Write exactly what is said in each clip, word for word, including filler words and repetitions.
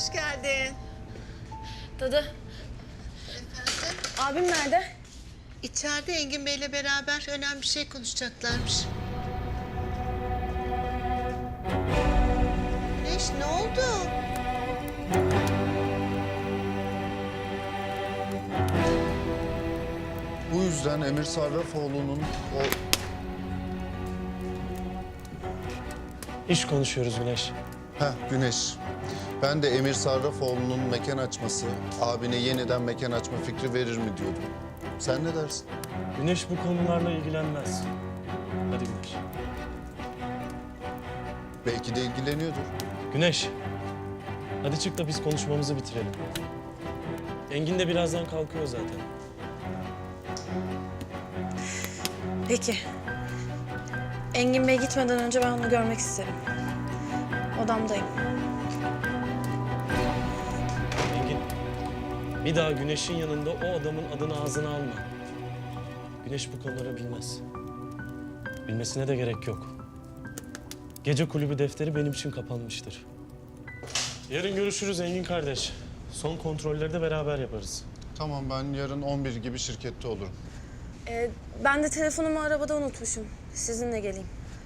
hoş geldin. Dadı, Efendim? abim nerede? İçeride Engin Bey'le beraber önemli bir şey konuşacaklarmış. Güneş, ne oldu? Bu yüzden Emir Sarrafoğlu'nun o... İş konuşuyoruz Güneş. Heh, Güneş. Ben de Emir Sarrafoğlu'nun mekan açması, abine yeniden mekan açma fikri verir mi diyordum. Sen ne dersin? Güneş bu konularla ilgilenmez. Hadi Güneş. Belki de ilgileniyordur. Güneş. Hadi çık da biz konuşmamızı bitirelim. Engin de birazdan kalkıyor zaten. Peki. Engin Bey gitmeden önce ben onu görmek isterim. Odamdayım. Engin, bir daha Güneş'in yanında o adamın adını ağzına alma. Güneş bu konuları bilmez. Bilmesine de gerek yok. Gece kulübü defteri benim için kapanmıştır. Yarın görüşürüz Engin kardeş. Son kontrolleri de beraber yaparız. Tamam, ben yarın on bir gibi şirkette olurum. Ee, ben de telefonumu arabada unutmuşum. Sizinle geleyim.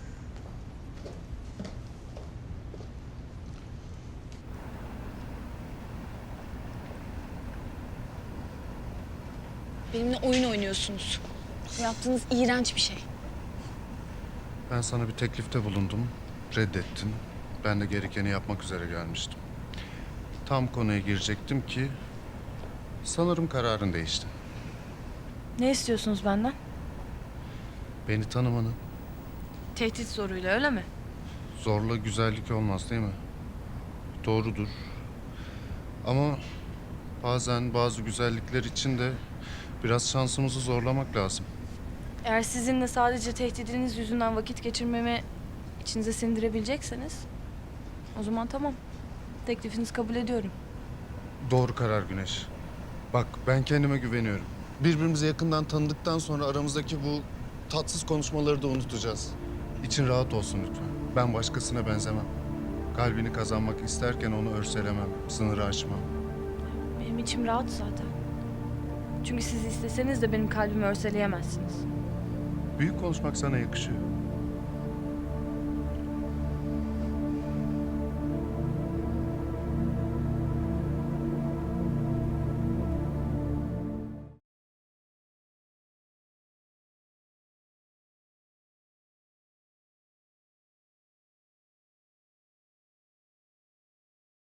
Benimle oyun oynuyorsunuz. Bu yaptığınız iğrenç bir şey. Ben sana bir teklifte bulundum, reddettin. Ben de gerekeni yapmak üzere gelmiştim. Tam konuya girecektim ki sanırım kararın değişti. Ne istiyorsunuz benden? Beni tanımanı. Tehdit zoruyla öyle mi? Zorla güzellik olmaz değil mi? Doğrudur. Ama bazen bazı güzellikler için de biraz şansımızı zorlamak lazım. Eğer sizinle sadece tehdidiniz yüzünden vakit geçirmemi içinize sindirebilecekseniz o zaman tamam. Teklifinizi kabul ediyorum. Doğru karar Güneş. Bak, ben kendime güveniyorum. Birbirimizi yakından tanıdıktan sonra aramızdaki bu tatsız konuşmaları da unutacağız. İçin rahat olsun lütfen. Ben başkasına benzemem. Kalbini kazanmak isterken onu örselemem, sınırı aşmam. Benim içim rahat zaten. Çünkü siz isteseniz de benim kalbimi örseleyemezsiniz. Büyük konuşmak sana yakışıyor.